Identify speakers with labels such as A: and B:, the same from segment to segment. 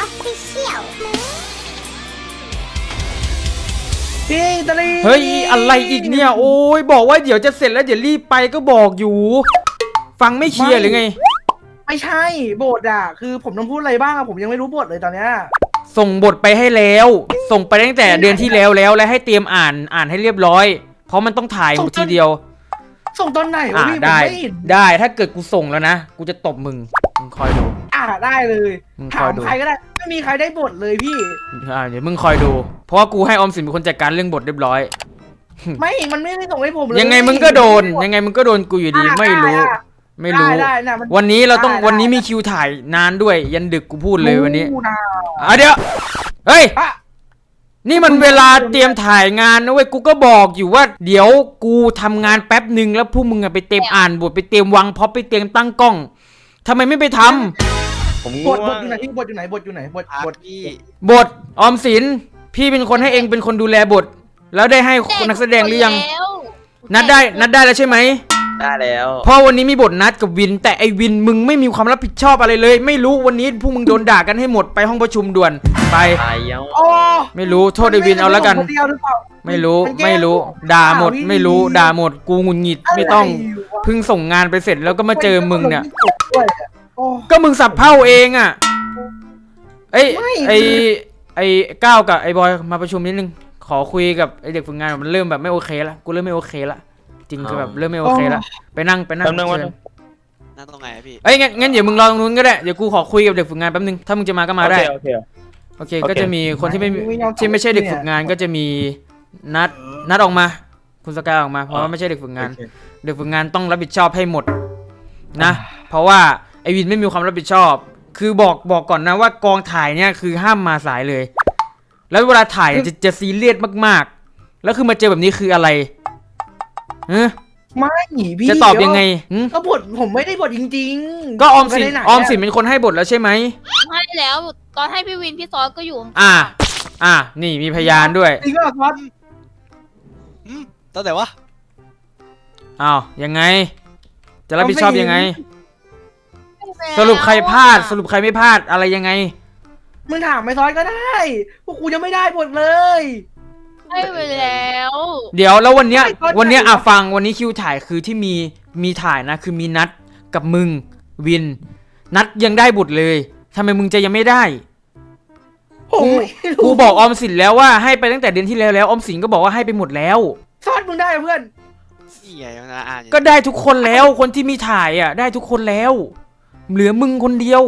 A: Official
B: พี่ตะลี
C: เฮ้ยอะไรอีกเนี่ยโอ้ยบอกว่าเดี๋ยวจะเสร็จแล้วเดี๋ยวรีบไปก็บอกอยู่ ฟังไม่เคลียร์หรือไง
B: ไม่ใช่บทอ่ะคือผมต้องพูดอะไรบ้างอะผมยังไม่รู้บทเลยตอนเนี้ย
C: ส่งบทไปให้แล้วส่งไปตั้งแต่เดือนที่แล้วและให้เตรียมอ่านให้เรียบร้อยเพราะมันต้องถ่ายทีเดียว
B: ส่งตอนไหนวะพี่
C: ได้ถ้าเกิดกูส่งแล้วนะกูจะตบมึงคอยดู
B: ได้เลยถามใครก็ได้ไม่มีใครได้บทเลยพี่
C: เดี๋ยวมึงคอยดูเพราะว่ากูให้ออมสินเป็นคนจัดการเรื่องบทเรียบร้อย
B: มันไม่ได้ส่งให้ผมเลย
C: ยังไงมึงก็โดนกูอยู่ดีไม่รู้วันนี้มีคิวถ่ายนานด้วยยันดึกกูพูดเลยวันนี้เดี๋ยวเฮ้ยนี่มันเวลาเตรียมถ่ายงานนะเว้ยกูก็บอกอยู่ว่าเดี๋ยวกูทำงานแป๊บหนึ่งแล้วพวกมึงไปเตรียมอ่านบทไปเตรียมวางพ็อปไปเตรียมตั้งกล้องทำไมไม่ไปทำ
B: ผมบทอยู่ไหนพี่บทอยู่ไหนพี่
C: บทออมสินพี่เป็นคนให้เองเป็นคนดูแลบทแล้วได้ให้นักแสดงหรือยังนัดได้แล้วใช่ไหม
D: ได้แล้ว
C: เพราะวันนี้มีบทนัดกับวินแต่ไอวินมึงไม่มีความรับผิดชอบอะไรเลยไม่รู้วันนี้พวกมึงโดนด่ากันให้หมดไปห้องประชุมด่วนไปไม่รู้โทษไอวินเอาแล้วกันไม่รู้ด่าหมดไม่รู้ด่าหมดกูงุนงิดไม่ต้องเพิ่งส่งงานไปเสร็จแล้วก็มาเจอมึงเนี่ยก็มึงสับเผ่าเองอ่ะไอ้ก้าวกับไอ้บอยมาประชุมนิดนึงขอคุยกับไอ้เด็กฝึกงานมันเริ่มแบบไม่โอเคละกูเริ่มไม่โอเคละจริงคือแบบเริ่มไม่โอเคละไปนั่ง
D: นั่งตรงไหนพี่
C: งั้นเดี๋ยวมึงรอตรงนู้นก็ได้เดี๋ยวกูขอคุยกับเด็กฝึกงานแป๊บนึงถ้ามึงจะมาก็มาได้โอเคก็จะมีคนที่ไม่ใช่เด็กฝึกงานก็จะมีนัดออกมาคุณสกายออกมาเพราะว่าไม่ใช่เด็กฝึกงานเด็กฝึกงานต้องรับผิดชอบให้หมดนะเพราะว่าไอวินไม่มีความรับผิดชอบคือบอกก่อนนะว่ากองถ่ายเนี่ยคือห้ามมาสายเลยแล้วเวลาถ่ายจะซีเรียสมากๆแล้วคือมาเจอแบบนี้คืออะไร
B: ไม่พี่
C: จะตอบยังไง
B: ก็บทผมไม่ได้บทจริงๆ
C: ก็ออมสินเป็นคนให้บทแล้วใช่ไหม
A: ให้แล้วตอนให้พี่วินพี่ซอสก็อยู่
C: นี่มีพยานด้วย
B: จริงเหรอครับ
D: ตอนไหนวะ
C: อ้าวยังไงจะรับผิดชอบยังไงสรุปใครพลาดสรุปใครไม่พลาดอะไรยังไง
B: มึงถามไม่ซอยก็ได้พวกกูยังไม่ได้บทเลย
A: ให้ไปแล้ว
C: เดี๋ยวแล้ววันเนี้ยฟังวันนี้คิวถ่ายคือที่มีถ่ายนะคือมีนัดกับมึงวินนัดยังได้บทเลยทำไมมึงจะยังไม่ได้กูบอกออมสินแล้วว่าให้ไปตั้งแต่เดือนที่แล้วออมสินก็บอกว่าให้ไปหมดแล้ว
B: ซอดมึงได้เพื่อน
C: ก็ได้ทุกคนแล้วคนที่มีถ่ายอ่ะได้ทุกคนแล้วเหลือมึงคนเดียว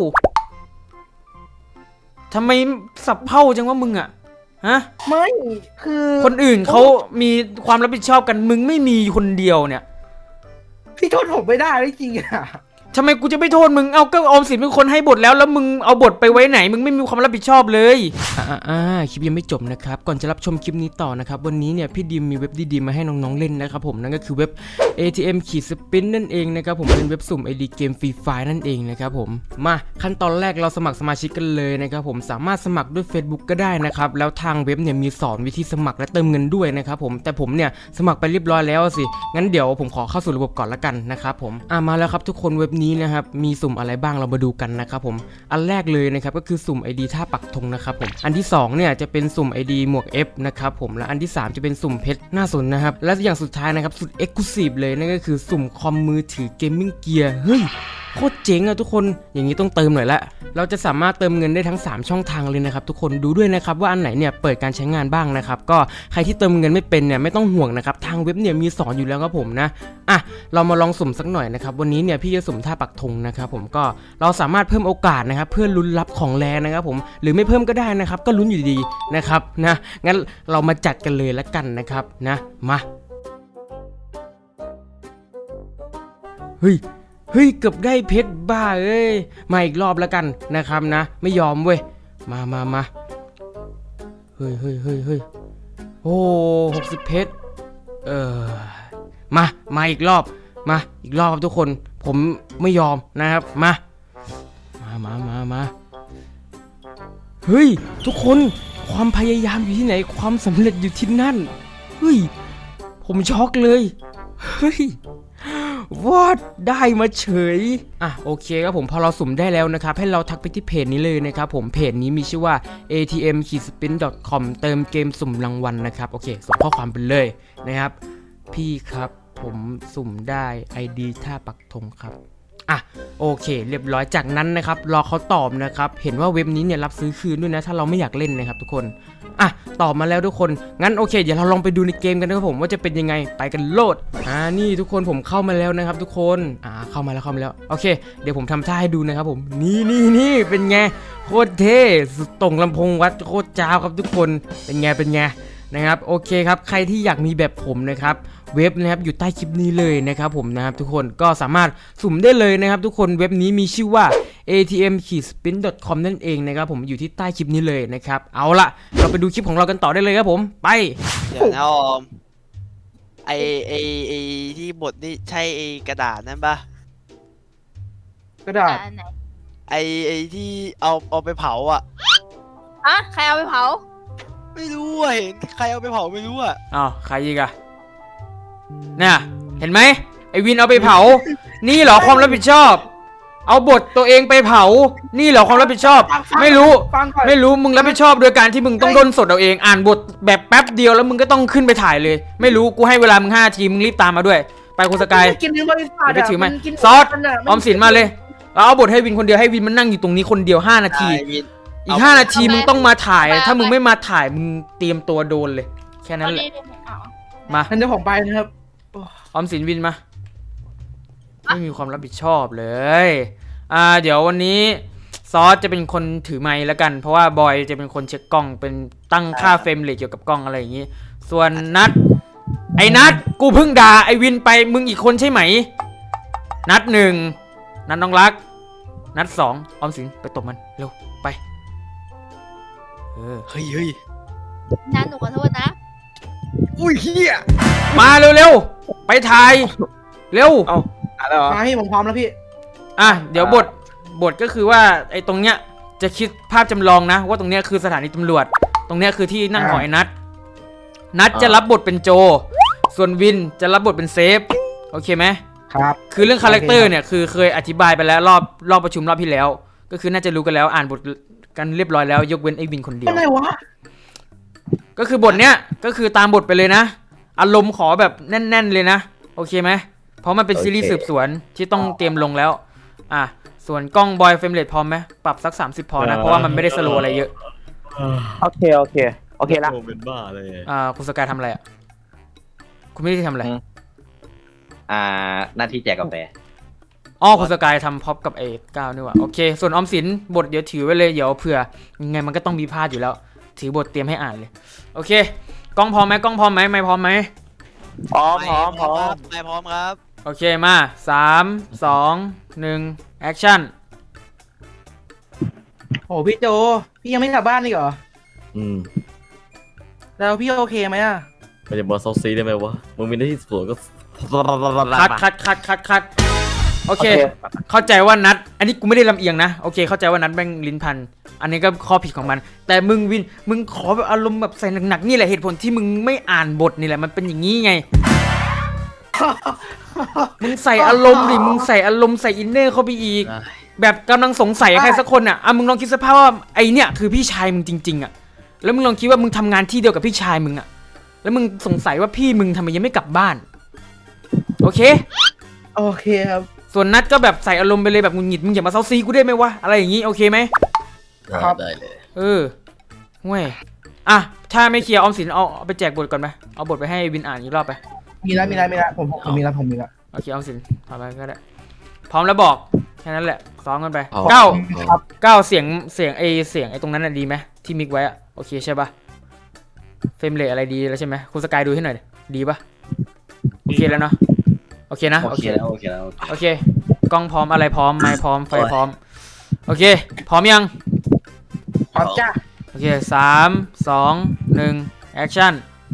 C: ทำไมสับเผ่าจังว่ามึงอ่ะฮะ
B: ไม่คือ
C: คนอื่นเขามีความรับผิดชอบกันมึงไม่มีคนเดียวเนี่ย
B: พี่โทษผมไม่ได้ไม่จริงอ่ะ
C: ทำไมกูจะไม่โทษมึงเอาก็ออมสินเป็นคนให้บทแล้วมึงเอาบทไปไว้ไหนมึงไม่มีความรับผิดชอบเลยคลิปยังไม่จบนะครับก่อนจะรับชมคลิปนี้ต่อนะครับวันนี้เนี่ยพี่ดิมมีเว็บดีๆมาให้น้องๆเล่นนะครับผมนั่นก็คือเว็บ ATM-Spin นั่นเองนะครับผมเป็นเว็บสุ่ม ID เกมฟรีไฟล์นั่นเองนะครับผมมาขั้นตอนแรกเราสมัครสมาชิกกันเลยนะครับผมสามารถสมัครด้วย Facebook ก็ได้นะครับแล้วทางเว็บเนี่ยมีสอนวิธีสมัครและเติมเงินด้วยนะครับผมแต่ผมเนี่ยสมัครไปเรียบร้อยแล้วสิงั้นเดี๋ยวผมขอเข้าสู่ระบบก่อนละกันนะครับผมมาแล้วครับทุกคนเว็บนี้นะครับมีสุ่มอะไรบ้างเรามาดูกันนะครับผมอันแรกเลยนะครับก็คือสุ่ม ID ท่าปักธงนะครับผมอันที่2เนี่ยจะเป็นสุ่ม ID หมวก F นะครับผมและอันที่3จะเป็นสุ่มเพชรหน้าสนนะครับและอย่างสุดท้ายนะครับสุด Exclusive เลยนั่นก็คือสุ่มคอมมือถือเกมมิ่งเกียร์เฮ้ยโคตรเจ๋งอะทุกคนอย่างนี้ต้องเติมหน่อยละเราจะสามารถเติมเงินได้ทั้ง3ช่องทางเลยนะครับทุกคนดูด้วยนะครับว่าอันไหนเนี่ยเปิดการใช้งานบ้างนะครับก็ใครที่เติมเงินไม่เป็นเนี่ยไม่ต้องห่วงนะครับทางเว็บเนี่ยมีสอนอยู่แล้วครับผมนะเรามาลองสุ่มสักหน่อยนะครับวันนี้เนี่ยพี่จะสุ่มท่าปักธงนะครับผมก็เราสามารถเพิ่มโอกาสนะครับเพื่อลุ้นรับของแรงนะครับผมหรือไม่เพิ่มก็ได้นะครับก็ลุ้นอยู่ดีนะครับนะงั้นเรามาจัดกันเลยละกันนะครับนะมาเฮ้ยเกือบได้เพชรบ้าเอ้ยมาอีกรอบแล้วกันนะครับนะไม่ยอมเว้ยมาเฮ้ยโอ้60เพชรมาอีกรอบครับทุกคนผมไม่ยอมนะครับมาเฮ้ยทุกคนความพยายามอยู่ที่ไหนความสำเร็จอยู่ที่นั่นเฮ้ยผมช็อกเลยเฮ้ยวอดได้มาเฉยอ่ะโอเคครับผมพอเราสุ่มได้แล้วนะครับให้เราทักไปที่เพจนี้เลยนะครับผมเพจนี้มีชื่อว่า atm-spin.com เติมเกมสุ่มรางวัลนะครับโอเคส่งข้อความไปเลยนะครับพี่ครับผมสุ่มได้ ID ท่าปักธงครับอ่ะโอเคเรียบร้อยจากนั้นนะครับรอเขาตอบนะครับเห็นว่าเว็บนี้เนี่ยรับซื้อคืนด้วยนะถ้าเราไม่อยากเล่นนะครับทุกคนอ่ะตอบมาแล้วทุกคนงั้นโอเคเดี๋ยวเราลองไปดูในเกมกันนะครับผมว่าจะเป็นยังไงไปกันโลดนี่ทุกคนผมเข้ามาแล้วนะครับทุกคนเข้ามาแล้วโอเคเดี๋ยวผมทำท่าให้ดูนะครับผมนี่เป็นไงโคตรเท่สุดตรงลำโพงวัดโคตรจ้าวครับทุกคนเป็นไงนะครับโอเคครับใครที่อยากมีแบบผมนะครับเว็บนะครับอยู่ใต้คลิปนี้เลยนะครับผมนะครับทุกคนก็สามารถสุ่มได้เลยนะครับทุกคนเว็บนี้มีชื่อว่า atm-spin.com นั่นเองนะครับผมอยู่ที่ใต้คลิปนี้เลยนะครับเอาล่ะเราไปดูคลิปของเรากันต่อได้เลยครับผมไป
D: เดี๋ยวนะออมไอที่บทนี่ใช่ไอกระดาษนั่นปะ
B: กระดาษ
A: ไหน
D: ไอที่เอาไปเผาอ่ะ
A: อะใครเอาไปเผา
D: ไม่รู้อ่ะเห็นใครเอาไปเผาไม่รู้อ่ะ
C: อ้าวใครอีกอะเนี่ยเห็นไหมไอวินเอาไปเผา นี่เหรอความรับผิดชอบ เอาบทตัวเองไปเผา นี่เหรอความรับผิดชอบ ไม่รู้
B: ฟังก่อน
C: ไม่รู้มึงรับผิดชอบโดยการที่มึงต้องด้นสดเอาเองอ่านบทแบบแป๊บเดียวแล้วมึงก็ต้องขึ้นไปถ่ายเลย ไม่รู้กูให้เวลามึง5 นาทีมึงรีบตามมาด้วย ไปคุณสกาย
B: กินในบริษัท
C: เดี๋ยวไปถือไหม
B: กิน
C: ซอส
B: มันะ
C: ออมสินมาเลยเอาบทให้วินคนเดียวให้วินมันนั่งอยู่ตรงนี้คนเดียว5 นาที
D: ไอ้วิน
C: อีก5 นาทีมึงต้องมาถ่าย ถ้ามึงไม่มาถ่ายมึงเตรียมตัวโดนเลย แค่นั้นแหละ
A: เอา
C: มา
B: งั้นเดี๋ยวผมไปนะครับ
C: ออมสินวินมาไม่มีความรับผิดชอบเลยเดี๋ยววันนี้ซอสจะเป็นคนถือไมค์แล้วกันเพราะว่าบอยจะเป็นคนเช็คกล้องเป็นตั้งค่าเฟรมเรทเกี่ยวกับกล้องอะไรอย่างนี้ส่วนนัดไอ้นัดกูเพิ่งด่าไอ้วินไปมึงอีกคนใช่ไหมนัด1นัดน้องรักนัด2ออมสินไปตบมันเร็วไป
D: เฮ้ย
A: นั้นหนูขอโทษนะ
D: อุ้ยเฮีย
C: มาเร็วๆไปถ่ายเร็ว
D: อะไรเหรอ
B: มาพี่ผมพร้อมแล้วพี่
C: เดี๋ยวบทก็คือว่าไอ้ตรงเนี้ยจะคิดภาพจำลองนะว่าตรงเนี้ยคือสถานีตำรวจตรงเนี้ยคือที่นั่งของไอ้นัดจะรับบทเป็นโจส่วนวินจะรับบทเป็นเซฟโอเคไหม
B: ครับ
C: คือเรื่องคาแรคเตอร์เนี่ยคือเคยอธิบายไปแล้วรอบประชุมรอบที่แล้ว ก็คือน่าจะรู้กันแล้วอ่านบทกันเรียบร้อยแล้วยกเว้นไอ้วินคนเดียว
B: อะไรวะ
C: ก็คือบทเนี้ยก็คือตามบทไปเลยนะอารมณ์ขอแบบแน่นๆเลยนะโอเคไหมเพราะมันเป็นซีรีส์สืบสวนที่ต้องเตรียมลงแล้วส่วนกล้องบอยเฟรมเรทพร้อมไหมปรับสัก30พอนะเพราะว่ามันไม่ได้สโลว์อะไรเยอะ
E: โอเคละ
F: โอ้เป็นบ้าเลย
C: คุณสกายทำอะไรคุณไม่ได้ทำอะไร
E: หน้าที่แจกกาแฟ
C: คุณสกายทำพ็อปกับไอ้ก้าวนี่หว่าโอเคส่วนออมสินบทเดี๋ยวถือไว้เลยเดี๋ยวเผื่อยังไงมันก็ต้องมีพลาดอยู่แล้วถือบทเตรียมให้อ่านเลยโอเคกล้องพร้อมไหมไม่พร้อมไหม
E: พร้อม
D: ไม่พร้อมครับ
C: โอเคมา3 2 1แอคชั่น
B: โอ้พี่โจพี่ยังไม่กลับบ้านอีกเหรอ
F: อืม
B: แล้วพี่โอเคไหมอะ
F: ไม่จะมาเซาซีได้ไหมวะมึงมีหน้าที่สวนก็
C: คัดโอเคเข้าใจว่านัดอันนี้กูไม่ได้ลำเอียงนะโอเคเข้าใจว่านัดแม่งลิ้นพันอันนี้ก็ข้อผิดของมันแต่มึงวินมึงขอแบบอารมณ์แบบใส่หนักๆนี่แหละเหตุผลที่มึงไม่อ่านบทนี่แหละมันเป็นอย่างนี้ไง มึงใส่อารมณ์ดิมึงใส่อารมณ์ใส่อินเนอร์เข้าไปอีกแบบกำลังสงสัยใครสักคนมึงลองคิดสภาพว่าไอเนี่ยคือพี่ชายมึงจริงๆแล้วมึงลองคิดว่ามึงทำงานที่เดียวกับพี่ชายมึงแล้วมึงสงสัยว่าพี่มึงทำไมยังไม่กลับบ้านโอเค
B: โอเคครับ
C: ส่วนนัดก็แบบใส่อารมณ์ไปเลยแบบหงุดหงิดมึงอย่ามาเซาซีกูได้ไหมวะอะไรอย่างงี้โอเคไหม
B: ครับ
F: ได้เลย
C: เว้ยถ้าไม่เคลียร์ออมสินเอาไปแจกบทก่อนไหมเอาบทไปให้วินอ่านอีกรอบไป
B: มีแล้วผมมีแล้ว
C: โอเคออมสินทำไปก็ได้พร้อมแล้วบอกแค่นั้นแหละซ้อมกันไป
F: เอา
C: ก้าวเสียงไอ้ตรงนั้นดีไหมที่มิกไว้โอเคใช่ปะเฟรมเรทอะไรดีแล้วใช่ไหมคุณสกายดูให้หน่อยดีปะโอเคแล้วเนาะโอเคนะ
E: โอเคแล้ว
C: โอเคกล้องพร้อมอะไรพร้อมไมค์พร้อมไฟพร้อมโอเคพร้อมยัง
B: พร้อมจ้า
C: โอเค3 2 1แอคชั่น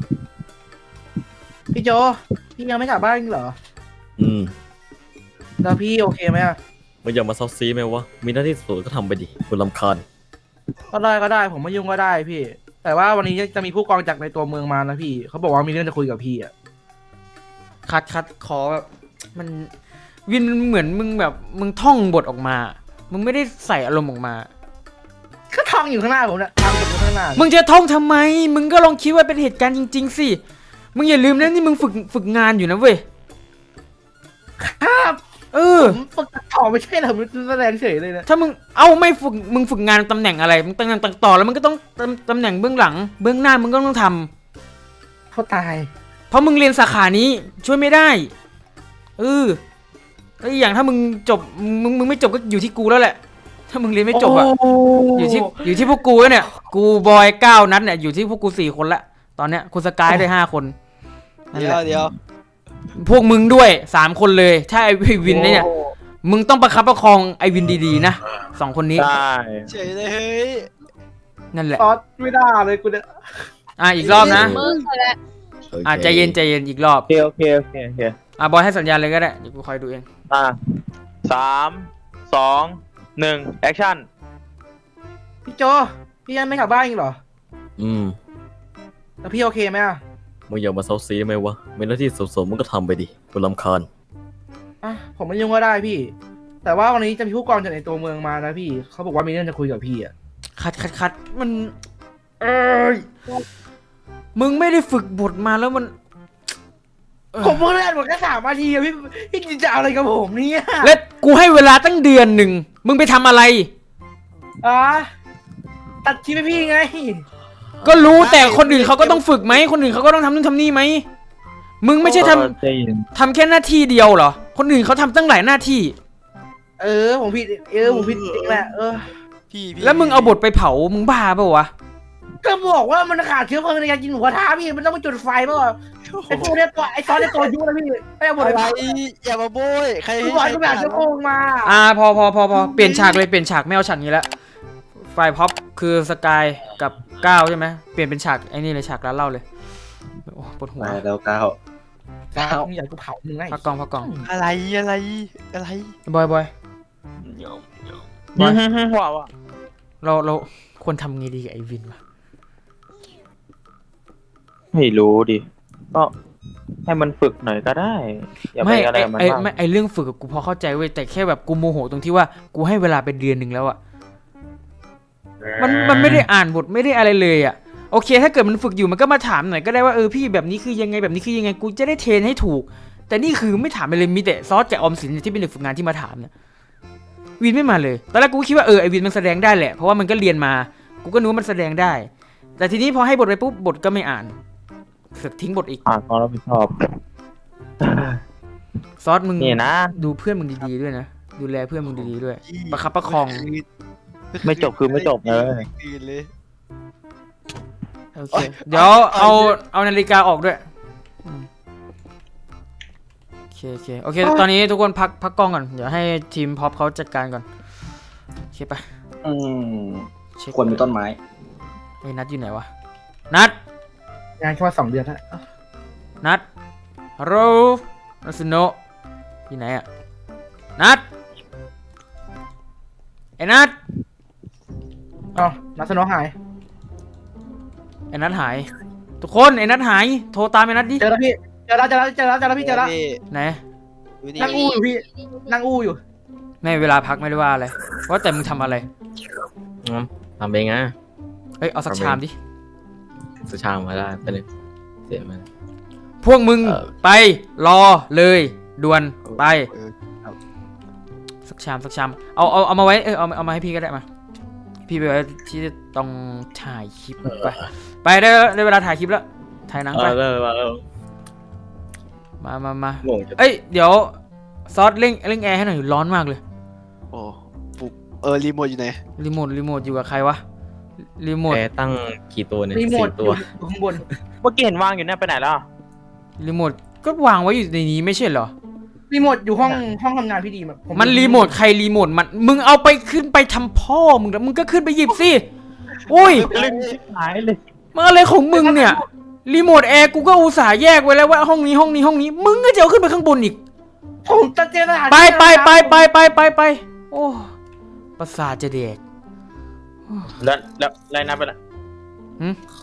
B: พี่โจพี่ยังไม่กลับบ้านอีกเหรอ
F: อืม
B: แล้วพี่โอเคไหมอะ
F: มึงอย่ามาเซาซีไหมวะมีหน้าที่สวนก็ทำไปดิคุณรำคาญ
B: ก็ได้ผมไม่ยุ่งก็ได้พี่ แต่ว่าวันนี้จะมีผู้กองจากในตัวเมืองมานะพี่เขาบอกว่ามีเรื่องจะคุยกับพี่อะ
C: คัดขอแบบมันวินเหมือนมึงแบบมึงท่องบทออกมามึงไม่ได้ใส่อารมณ์ออกมา
B: ก็ท่องอยู่ข้างหน้าผมเนี่ยทำอยู่ข้างหน้า
C: มึงจะท่องทำไมมึงก็ลองคิดว่าเป็นเหตุการณ์จริงๆสิมึงอย่าลืมนะนี่มึงฝึกงานอยู่นะเว้ย
B: ครับ ผมฝึกตัดต่อไม่ใช่เหรอมันแสดงเฉยเลยนะ
C: ถ้ามึงไม่ฝึกมึงฝึกงานตำแหน่งอะไรมึงตำแหน่งต่อแล้วมึงก็ต้องตำแหน่งเบื้องหลังเบื้องหน้ามึงก็ต้องทำ
B: เขาตาย
C: เพราะมึงเรียนสาขานี้ช่วยไม่ได้แล้วอีกอย่างถ้ามึงจบมึงไม่จบก็อยู่ที่กูแล้วแหละถ้ามึงเรียนไม่จบอะอยู่ที่พวกกูแล้วเนี่ยกูบอย9นัดเนี่ยอยู่ที่พวกกู4คนละตอนเนี้ยคุณสกายด้วย5คนนั่น
D: เดี๋
C: แห
D: ยว
C: ละ
D: เดี๋ยว
C: พวกมึงด้วย3คนเลยถ้าไอวินเนี่ยมึงต้องประคับประคองไอวินดีๆนะ2คนนี้
E: ได้
D: เฉยเลยเฮ้ย
C: นั่นแหละ
B: ซอสไม่ได้เลยกูเนี่ย
C: อีกรอบนะ
A: มึงแหละ
F: โอเค
C: ใจเย็นอีกรอบ
E: โอเค
C: บอยให้สัญญาณเลยก็ได้เดี๋ยวกูคอยดูเอง
E: 3 2 1แอคชั่น
B: พี่โจพี่ยังไม่กลับบ้านอีกเหรอ แล้วพี่โอเคไหมอ่ะ
F: มึงอย่ามาเซาซีได้ไหมวะมีหน้าที่สมๆมึงก็ทำไปดิกูรำคาญ
B: ผมไม่ยุ่งก็ได้พี่ แต่ว่าวันนี้จะมีผู้กองจากในตัวเมืองมานะพี่เขาบอกว่ามีเรื่องจะคุยกับพี่อ่ะ
C: คัดมันมึงไม่ได้ฝึกบทมาแล้วมัน
B: ผมเพิ่งเล่นหมดแค่3 นาทีอะพี่จะเอาอะไรกับผมเนี่ย
C: และกูให้เวลาตั้งเดือนหนึ่งมึงไปทำอะไร
B: ตัดคลิปให้พี่ไง
C: ก็รู้แต่คนอื่นเขาก็ต้องฝึกไหมคนอื่นเขาก็ต้องทำนู่นทำนี่ไหมมึงไม่ใช่ทำแค่หน้าที่เดียวเหรอคนอื่นเขาทำตั้งหลายหน้าที่
B: ผมผิดผมผิดจริงแหละ
D: พี่
C: แล้วมึงเอาบทไปเผามึงบ้าเปล่าวะ
B: ก็บอกว่ามันขาดเชื้อเพลิงในการกินหมูกระทะพี่มันต้องไปจุดไฟเปล่าไอ้พวกเนี้ยตัวไอ้ซอสในตัวยุ่งนะพี่ไม่เอาบท
D: อะ
B: ไป
D: ไร
B: เผา
D: อย่ามาโบยใคร
B: พี่บอยก็แบบเชื้อเพลิงมา
C: พอเปลี่ยนฉากเลยเปลี่ยนฉากไม่เอาฉากนี้ละไฟพ็อปคือสกายกับก้าวใช่ไหมเปลี่ยนเป็นฉากไอ้นี่เลยฉากร้านเหล้าเลยโอ้ปวดหัว
E: มาแล้วก้าว
B: มึงอยากกูเผามึงไง
C: พักกอง
D: อะไร
C: บอย
E: ว้าว
C: เราควรทำไงดีกับไอวินวะ
E: ไม่รู้ดิก็ให้มันฝึกหน่อยก็ได้อย่าไปอะไรมันมาก
C: ไอเรื่องฝึกกับกูพอเข้าใจเว้ยแต่แค่แบบกูโมโหตรงที่ว่ากูให้เวลาเป็นเดือนหนึ่งแล้วอะมันไม่ได้อ่านบทไม่ได้อะไรเลยอะโอเคถ้าเกิดมันฝึกอยู่มันก็มาถามหน่อยก็ได้ว่าพี่แบบนี้คือยังไงแบบนี้คือยังไงกูจะได้เทรนให้ถูกแต่นี่คือไม่ถามเลยมีแต่ซอสกับออมสินที่เป็นเด็กฝึกงานที่มาถามเนี่ยวินไม่มาเลยตอนแรกกูคิดว่าไอวินมันแสดงได้แหละเพราะว่ามันก็เรียนมากูก็นึกว่ามันแสดงได้แต่ทีนี้พอให้บทไปปุ๊บบทก็ไม่อ่านสึกทิ้งบทอีก
E: ความรับผิดชอบ
C: ซอสมึง
E: นี่นะ
C: ดูเพื่อนมึงดีๆด้วยนะดูแลเพื่อนมึงดีๆด้วยประคับประคอง
E: ไม่จบคือไม่จบเลย
C: โอเคเดี๋ยวเอานาฬิกาออกด้วยโอเคตอนนี้ทุกคนพักกล้องก่อนเดี๋ยวให้ทีมพ็อปเขาจัดการก่อนโอเคปะ
G: ควรมีต้นไม้
C: นัดอยู่ไหนวะนัด
B: งานแค่ว่า2 เดือนนะ
C: นัดฮัลโหลนัสโนะอยู่ไหนอะนัดไอ้นัด
B: นัทสโนหาย
C: ไอ้นัดหายทุกคนไอ้นัดหายโทรตามไอ้นัดดิ
B: เจอแล้วพี่เจอแล้วพี่เจอแล้ว
C: ไหน
B: นั่งอู้อยู่พี่นั่งอู้อยู่
C: ไม่เวลาพักไม่ได้ว่าอะไรว่าแต่มึงทำอะไร
F: ทำเองนะ
C: เฮ้ยเอาสักชามดิ
F: สุชามาได้ไปเลยเสียมัน
C: พวกมึงไปรอเลยด่วนไปสักชามเอามาไว้เอามาให้พี่ก็ได้มาพี่ไปไว้ที่ต้องถ่ายคลิปไปได้เวลาถ่ายคลิปแล้วถ่ายหนังไปมาเอ้ยเดี๋ยวซอสเร่งแอร์ให้หน่อยร้อนมากเลย
D: โอ้ปุ๊บรีโมทอยู่ไหน
C: รีโมทอยู่กับใครวะรีโมท
F: แอร์ตั้งกี่ตัวเนี่ย
B: 4 ตัวข้างบน
E: เมื่อกี้เห็นวางอยู่เนี่ยไปไหนแล้ว
C: รีโมทก็วางไว้อยู่ในนี้ไม่ใช่เหรอ
B: รีโมทอยู่ห้องทำงานพี่ดี
C: มันรีโมทใครรีโมทมันมึงเอาไปขึ้นไปทำพ่อมึงแล้วมึงก็ขึ้นไปหยิบสิอุ้ย
E: ลึงชิบหายเลย
C: มันอะไรของมึงเนี่ยรีโมทแอร์กูก็อุตส่าห์แยกไว้แล้วว่าห้องนี้มึงก็จะเอาขึ้นไปข้างบนอีก
B: ผมจะเจอสถาน
C: ไปโอ้ประสาทจะเด็ก
E: แล้วไรนับไปละ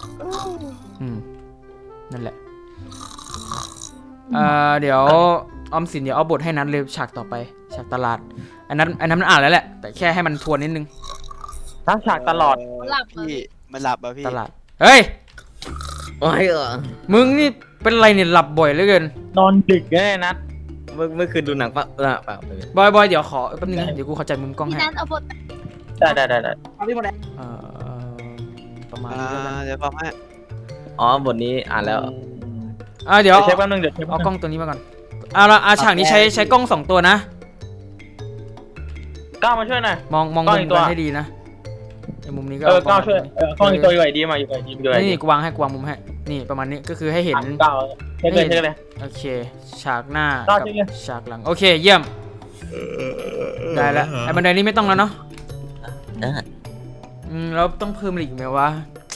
C: นั่นแหละเดี๋ยวออมสินเดี๋ยวเอาบทให้นัดเลยฉากต่อไปฉากตลาดอันนั้นมันอ่านแล้วแหละแต่แค่ให้มันทวนนิดนึง
E: ตั้งฉากตลอด
A: หลับเหรอ
D: พี่มันหลับอ่ะพี่
C: ตลาดเฮ้ย
F: โอ้ย
C: มึงนี่เป็นไรเนี่ยหลับบ่อยเหลือเกิน
E: นอนดึกแน่นัด
F: เมื่อคืนดูหนังปะเปล่า
C: บอยเดี๋ยวขอแป๊บนึงนะเดี๋ยวกูเข้าใจมุมกล้อง
A: พี่
C: ให้
A: นัทเอาบท
E: ได้
B: เอาพี่หมดแล้ว
C: เอ่อประมาณ
D: อ่า
C: นี้แล้วกัน
D: เดี๋ยวบอกให้
F: อ๋อบทนี้อ่านแล้ว
C: เดี๋ยว
E: เช็คแป๊บนึงเดี๋ยวเช็ค
C: เอากล้องตัวนี้มาก่อนเอาละฉากนี้ใช้กล้อง2ตัวนะ
E: ก้าวมาช่วยหน่อย
C: มอง
E: กล้
C: มุ
E: อง
C: ม
E: อีกตัว
C: กันให้ดีนะไอ้มุมนี้ก็
E: ก้าวช่วยกล้องอีกตัวอยู่ไหนดีมาอยู่ไหนดีอยู่ไหนดี
C: นี่กูวางมุมให้นี่ประมาณนี้ก็คือให้เห็น
E: ก้าวเช็คเลย
C: โอเคฉากหน้า
E: ต่อ
C: กับ
E: จริงเลย
C: ฉากหลังโอเคเยี่ยมได้แล้วไอ้บันไดนี้ไม่ต้องแล้วเนาะแล้วต้องเพิ่มอีกไหมวะ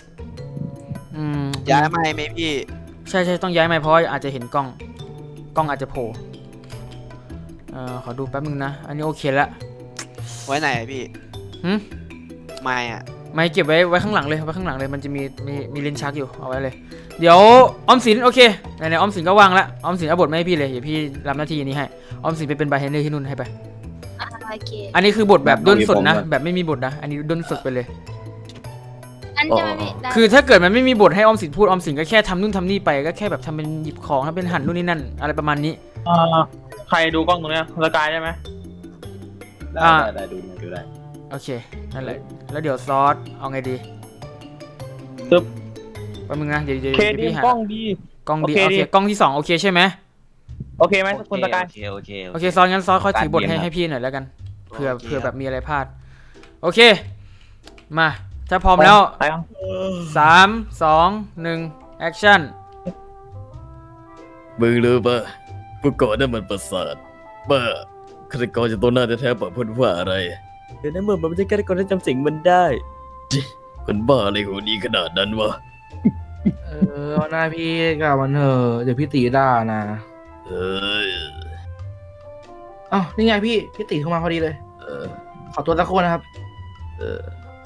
D: ย้ายมาไหมพี่
C: ใช่ต้องย้ายไหมเพราะอาจจะเห็นกล้องอาจจะโผล่ขอดูแป๊บนึงนะอันนี้โอเคแล้ว
D: ไว้ไหนอะพี่
C: หืม
D: ไม่อะ
C: ไม่เก็บไว้ข้างหลังเลยไว้ข้างหลังเลยมันจะมีลิ้นชักอยู่เอาไว้เลยเดี๋ยวออมสินโอเคไหนๆออมสินก็วางแล้วออมสินเอาบทมาให้พี่เลยเดี๋ยวพี่รับหน้าที่นี้ให้ออมสินไปเป็นบาร์เทนเดอร์ที่นู่นให้ไป
A: โอเค
C: อันนี้คือบทแบบด้นสดนะแบบไม่มีบทนะอันนี้ด้นสดไปเลย
A: อันจะไม่มีได้
C: คือถ้าเกิดมันไม่มีบทให้ออมสินพูดออมสินก็แค่ทำนู่นทำนี่ไปก็แค่แบบทำเป็นหยิบของทำเป็นหั่นนู่นนี่นั่นอะไรประมาณนี้
E: ใครดูกล้องตรงนี้สกายได้ไหม
G: ได้ดูได้
C: โอเคนั่นแหละแล้วเดี๋ยวซอสเอาไงดี
E: ตึ๊บ
C: แป๊บนึงนะเดี๋ยว
E: เคดี
C: พี่หาก
E: ล้องดี
C: กล้องดี
E: โอเค
C: โอเค
E: ดี
C: กล้องที่2โอเคใช่ไหม
E: โอเคไหมคุณสกาย
G: โอเค
C: โอเคซอสงั้นซอสคอยถือบท
G: การเรียน
C: ให้พี่หน่อยแล้วกันเผื่อ
D: โอเค
C: เผื่อ
D: ค
C: แบ
D: รับบ
C: มีอะไรพลาดโอเคมาถ้าพร้อมแล้ว
E: ไปครับ
C: 3 2 1แอคชั่น
F: มึงรู้ปะผู้ก่อนั่นมันประสาทบ้าฆาตกรจากตัวหน้าแท้ๆเปิดพูดว่าอะไรเดี๋ยวนั้นเหมือนมันไม่ใช่ฆาตกรที่จำสิ่งมันได้จิคนบ้าอะไรหัวดีขนาดนั้นวะ
B: เอาหน้าพี่กับมันเถอะเดี๋ยวพี่ตีด่านะ
F: เอ้ย
B: อ้าวนี่ไงพี่ตีเข้ามาพอดีเลย
F: เออ
B: ขอตัวสักครู่นะครับ
F: เออ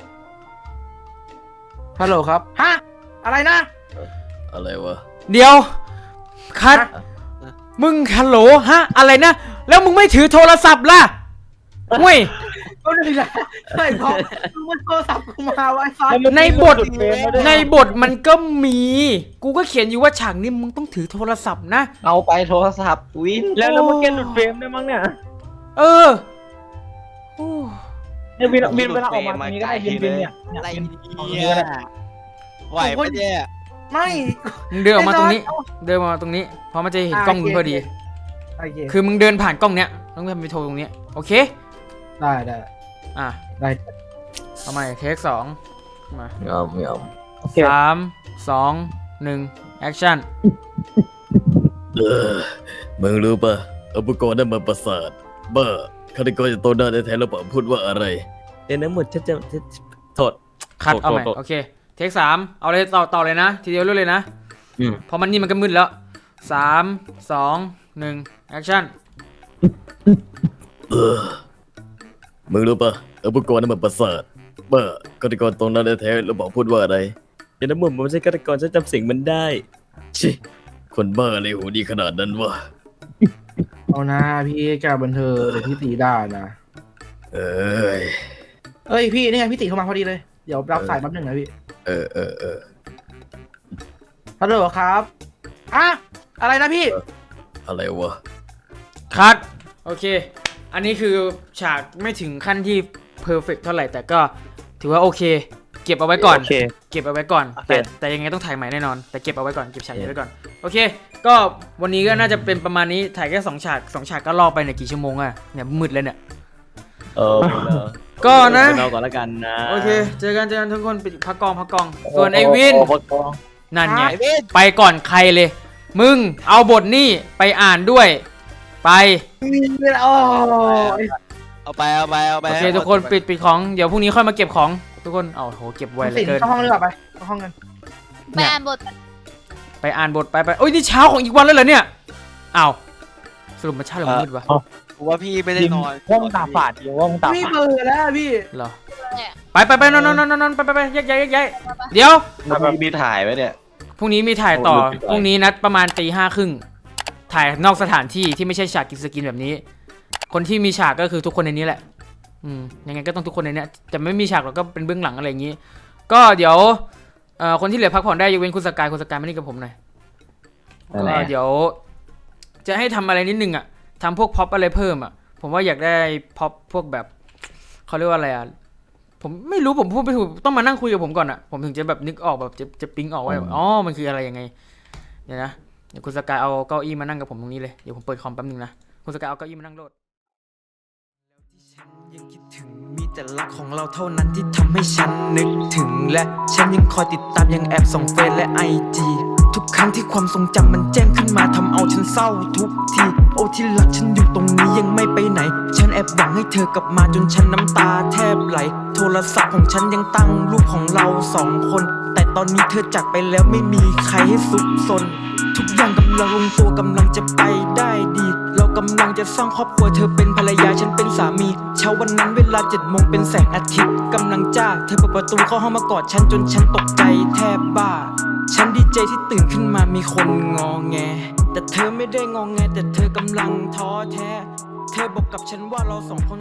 B: ฮัลโหลครับฮะอะไรนะ
F: อะไรวะ
C: เดี๋ยวคัดมึงฮัลโหลฮะอะไรนะแล้วมึงไม่ถือโทรศัพท์ล่ะเว้ย
B: ก็เลยนะใช่เพราะมันโทรศัพท์กูมาไว้ซ้าย
C: ในบทมันก็มีกูก็เขียนอยู่ว่าฉากนี้มึงต้องถือโทรศัพท์นะ
G: เอาไปโทรศัพท์วิน
E: แล้วเมื่อกี้หลุดเฟรมได้มั้งเนี่ย
C: เออโอ้
E: เนี่ยวินเวลาออกมาตรงนี้ก็ได้วินเนี่ย
D: อะไร
E: วิน
D: เนี่ยไหวปะเนี่ย
B: ไม่
C: มึงเดินออกมาตรงนี้ เดินมาตรงนี้เพราะมันจะเห็นกล้องมึงพอดี
B: โอเค
C: คือมึงเดินผ่านกล้องเนี้ยต้องไปโทรตรงเนี้ยโอเค
B: ได้
C: อ่ะ
B: ได้
C: เอาใหม่เทค2มา
F: ไม่เอา
E: โอเค
C: 3 2 1แอคชั่น
F: เออมึงรู้ปะผู้ก่อนั่นมันประสาทบ้าฆาตกรจากตัวหน้าแท้ๆแล้วเปิดพูดว่าอะไรเดี๋ยวนั้นหมดฉันจะโทษ
C: คัดเอาใหม่
F: โทษ
C: โอเคเทค3เอาเลยต่อเลยนะทีเดียวเรื่อยเลยนะ
F: อืม
C: เพราะมันนี่มันก็มืดแล้ว3 2 1แอคชั่น
F: เออมึงรู้ปะผู้ก่อนั่นมันประสาทบ้าฆาตกรตรงนั้นแท้ๆแล้วบอกพูดว่าอะไรเดี๋ยวนั้นมันไม่ใช่ฆาตกรฉันจำสิ่งมันได้ชิคนบ้าอะไรหูดีขนาดนั้นวะ
B: เอาหน้าพี่กับมันเถอะเดี๋ยวพี่ตีด่านะ
F: เอ้ย
B: เอ้ยพี่นี่ไงพี่ตีเข้ามาพอดีเลยเดี๋ยวรับสายแป๊บหนึงนะพี่
F: เออ
B: ฮัลโหลครับอะอะไรนะพี่
F: อะไรวะ
C: คัดโอเค อันนี้คือฉากไม่ถึงขั้นที่เพอร์เฟกต์เท่าไหร่แต่ก็ถือว่าโอเค เก็บเอาไว้ก่อน
E: โอเค
C: เก็บเอาไว้ก่อน
E: โอเค
C: แต่ยังไงต้องถ่ายใหม่แน่นอนแต่เก็บเอาไว้ก่อนเก็บฉากนี้ไว้ก่อนโอเค ก็วันนี้ก็น่าจะเป็นประมาณนี้ถ่ายแค่2 ฉาก2 ฉากก็ล่อไปเนี่ยกี่ชั่วโมงอะเนี่ยมืดเลยเนี่ย ก็นะ
F: เราก่อนละกันนะ
C: โอเคเจอกันทุกคนปิดพักกองส่วนไอวิน นั่นไง
D: ไอ้เว้น
C: ไปก่อนใครเลย มึงเอาบทนี่ไปอ่านด้วย ไป
B: โอ้
D: เอาไป
C: โอเคทุกคนปิดของเดี๋ยวพรุ่งนี้ค่อยมาเก็บของทุกคนเอาโหเก็บไว้เหล
B: สิ
C: ย
B: น
C: เกิน
B: เข้าห้องเลยไปเข้าห้องกัน
A: ไปอ่านบท
C: ไปอ่านบทไปโอ้ยนี่เช้าของอีกวันแล้วเหรอเนี่ยอ้าวสรุปมาเช้าหรือมันมืดวะ
D: กูว่าพี่ไม่ได้นอน
E: ว่ามึงตาฝาดอยู่ว่ามึงตา
B: พี่
E: ฝาด
B: เบื่อแล้วพี่
C: เหรอ
A: เนี่ย
C: ไปนอนไปแยกเดี๋ยว
G: มีถ่ายไว้เนี่ย
C: พรุ่งนี้มีถ่ายต่อพรุ่งนี้นัดประมาณตี 5:30 ถ่ายนอกสถานที่ที่ไม่ใช่ฉากกินสกินแบบนี้ คนที่มีฉากก็คือทุกคนในนี้แหละยังไงก็ต้องทุกคนในนี้จะไม่มีฉากหรอกก็เป็นเบื้องหลังอะไรอย่างนี้ก็เดี๋ยวคนที่เหลือพักผ่อนได้ยกเว้นคุณสกายมานี่กับผมหน่อยเดี๋ยวจะให้ทำอะไรนิดนึงอ่ะทำพวกพ็อปอะไรเพิ่มอ่ะผมว่าอยากได้พ็อปพวกแบบเขาเรียกว่าอะไรอ่ะผมไม่รู้ผมพูดไม่ถูกต้องมานั่งคุยกับผมก่อนอ่ะผมถึงจะแบบนึกออกแบบจะปิ๊งออกว่าอ๋อมันคืออะไรยังไงเดี๋ยวนะเดี๋ยวคุณสกายเอาเก้าอี้มานั่งกับผมตรงนี้เลยเดี๋ยวผมเปิดคอมแป๊บนึงนะคุณสกายเอาเก้าอี้มานั่งโหลดยังคิดถึงมีแต่รักของเราเท่านั้นที่ทำให้ฉันนึกถึงและฉันยังคอยติดตามยังแอบส่องเฟซและ IG ทุกครั้งที่ความทรงจำมันแจ้งขึ้นมาทำเอาฉันเศร้าทุกทีโอ้ที่รักฉันอยู่ตรงนี้ยังไม่ไปไหนฉันแอบหวังให้เธอกลับมาจนฉันน้ำตาแทบไหลโทรศัพท์ของฉันยังตั้งรูปของเรา2 คนแต่ตอนนี้เธอจากไปแล้วไม่มีใครให้ซุกซนทุกอย่างกำลังลงตัวกำลังจะไปได้ดีเรากำลังจะสร้างครอบครัวเธอเป็นภรรยาฉันเป็นสามีเช้าวันนั้นเวลา7 โมงเป็นแสงอาทิตย์กำลังจ้าเธอเปิดประตูเข้าห้องมากอดฉันจนฉันตกใจแทบบ้าฉันดีใจที่ตื่นขึ้นมามีคนงอแงแต่เธอไม่ได้งอแงแต่เธอกำลังท้อแท้เธอบอกกับฉันว่าเรา2 คน